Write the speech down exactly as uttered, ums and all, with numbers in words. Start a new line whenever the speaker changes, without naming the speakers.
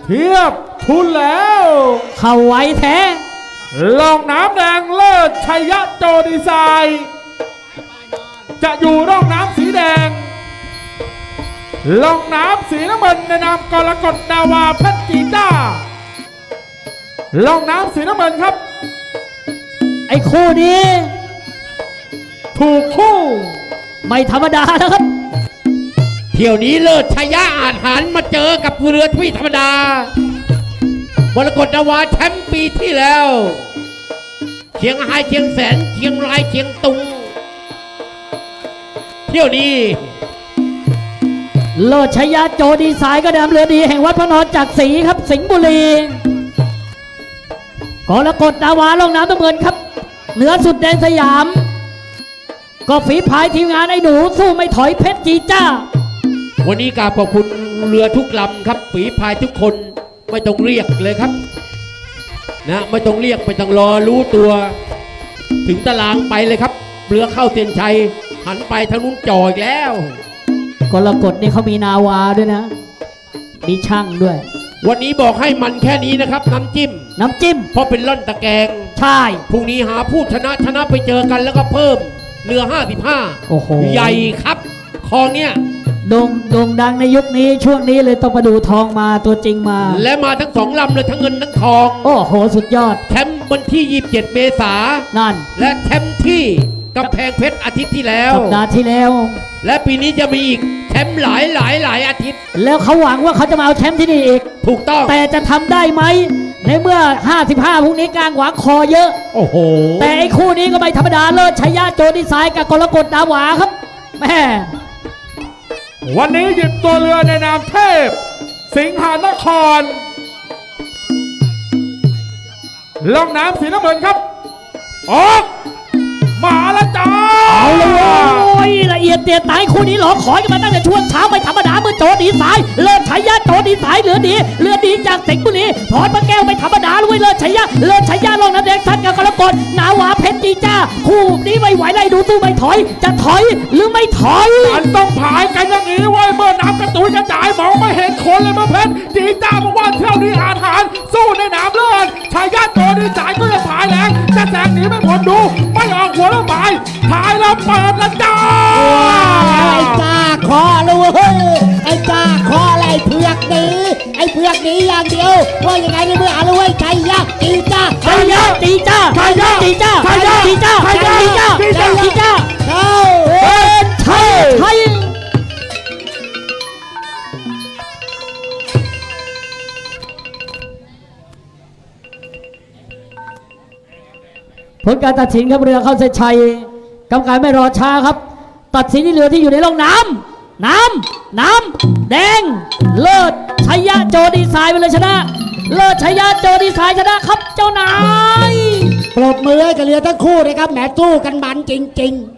เทียบทุนแล้ว
เข้าไว้แท้
ลองน้ำแดงเลิศชัยยะโจดีไซน์จะอยู่ร่องน้ำสีแดงลองน้ำสีน้ำเงินในนามกรกฎนาวาเพชรจีจ้าลองน้ำสีน้ำเงินครับ
ไอ้คู่นี้
ถูกคู่
ไม่ธรรมดานะครับ
เที่ยวนี้เลิศชัยยะอาจหันมาเจอกับเรือที่ธรรมดากรกฎนาวาแชมป์ปีที่แล้วเชียงรายเชียงแสนเชียงรายเชียงตุงเที่ยวนี้
เลิศชัยยะโจดีไซน์ก็นำเรือดีแห่งวัดพระนอนจากศรีครับสิงห์บุรีกรกฎนาวาลงน้ำน้ำเงินครับเหนือสุดแดนสยามก็ฝีพายทีมงานไอ้หนูสู้ไม่ถอยเพชรจีจ้า
วันนี้กราบขอบคุณเรือทุกลำครับฝีพายทุกคนไม่ต้องเรียกเลยครับนะไม่ต้องเรียกไม่ต้องรอรู้ตัวถึงตารางไปเลยครับเรือเข้าเส้นชัยหันไปทางนู้นจ่ออีกแล้ว
กรกฎนี่เขามีนาวาด้วยนะมีช่างด้วย
วันนี้บอกให้มันแค่นี้นะครับน้ำจิ้ม
น้ำจิ้ม
เพราะเป็นล่อนตะแกง
ใช่
พรุ่งนี้หาผู้ชนะชนะไปเจอกันแล้วก็เพิ่มเรือห้าสิบห้า
โอ้โห
ใหญ่ครับคลองเนี้ย
โด่งโด่งดังในยุคนี้ช่วงนี้เลยต้องมาดูทองมาตัวจริงมา
และมาทั้งสองลำเลยทั้งเงินทั้งทอง
โอ้โหสุดยอด
แชมป์วันที่ยี่สิบเจ็ดเมษายน
นั่น
และแชมป์ที่กำแพงเพชรอาทิตย์ที่แล้ว
สัปดาห์ที่แล้ว
และปีนี้จะมีอีกแชมป์หลายหลายหลายอาทิตย์
แล้วเขาหวังว่าเขาจะมาเอาแชมป์ที่นี่อีก
ถูกต้อง
แต่จะทำได้ไหมในเมื่อห้าสิบห้าพรุ่งนี้กลางหวังคอเยอะ
โอ้โห
แต่ไอ้คู่นี้ก็ไม่ธรรมดาเลิศชัยยะโจดีไซน์กับกรกฎนาวาครับแม่
วันนี้หยิบตัวเรือในนามเทพสิงหานครล่องน้ำสีน้ำเงินครับออกมาแล้วจ้า
เอาเลยละเอียดเตียตายคู่นี้หรอคอยกันมาตั้งแต่ช่วงเช้าไม่ธรรมดาเมื่อโจดีไซน์เลิศชัยยะโจดีไซน์เหลือดีเหลือดีจากสิงห์บุรีพรพระแก้วไม่ธรรมดาด้วยเลิศชัยยะเลิศชัยยะลงน้ำแดงทัดกับกรกฎนาวาเพชรจีจ้าคู่นี้ไม่ไหวไล่ดูตู้ไม่ถอยจะถอยหรือไม่ถอย
มันต้องผายกันอย่างนี้ไว้เมื่อน้ำกระตุยกระจายมองไม่เห็นคนเลยเมื่อเพชรจีจ้าบอกว่าเที่ยวนี้อาถรรพ์สู้ในน้ำเลือดชัยยะโจดีไซน์ก็จะผายแรงจะแสงหนีไม่พ้นดูไม่ออกหัวแล้วผายถ่ายแล้วเปิดแล้วจ้า
ไอ้จ้าคอเลยเฮ้ยไอ้จ้าคออะไรเผือกนี้ไอ้เผือกนี้อย่างเดียวว่ายังไงในเมื่ออะไรเว้ยชัยยะจีจ้า
ชัยยะจีจ้าชัยยะจีจ้าชัยยะจีจ้าชัยยะจีจ้าชัยยะจีจ้า
เข้า
เป็นชัยชัยผลการตัดสินครับเรือเข้าเส้นชัยกรรมการไม่รอช้าครับตัดสินที่เรือที่อยู่ในร่องน้ำน้ำน้ำแดงเลิศชัยยะโจดีไซน์ไปเลยชนะเลิศชัยยะโจดีไซน์ชนะครับเจ้านาย
ปรบมือให้กับเรือทั้งคู่นะครับแหมสู้กันมันจริงๆ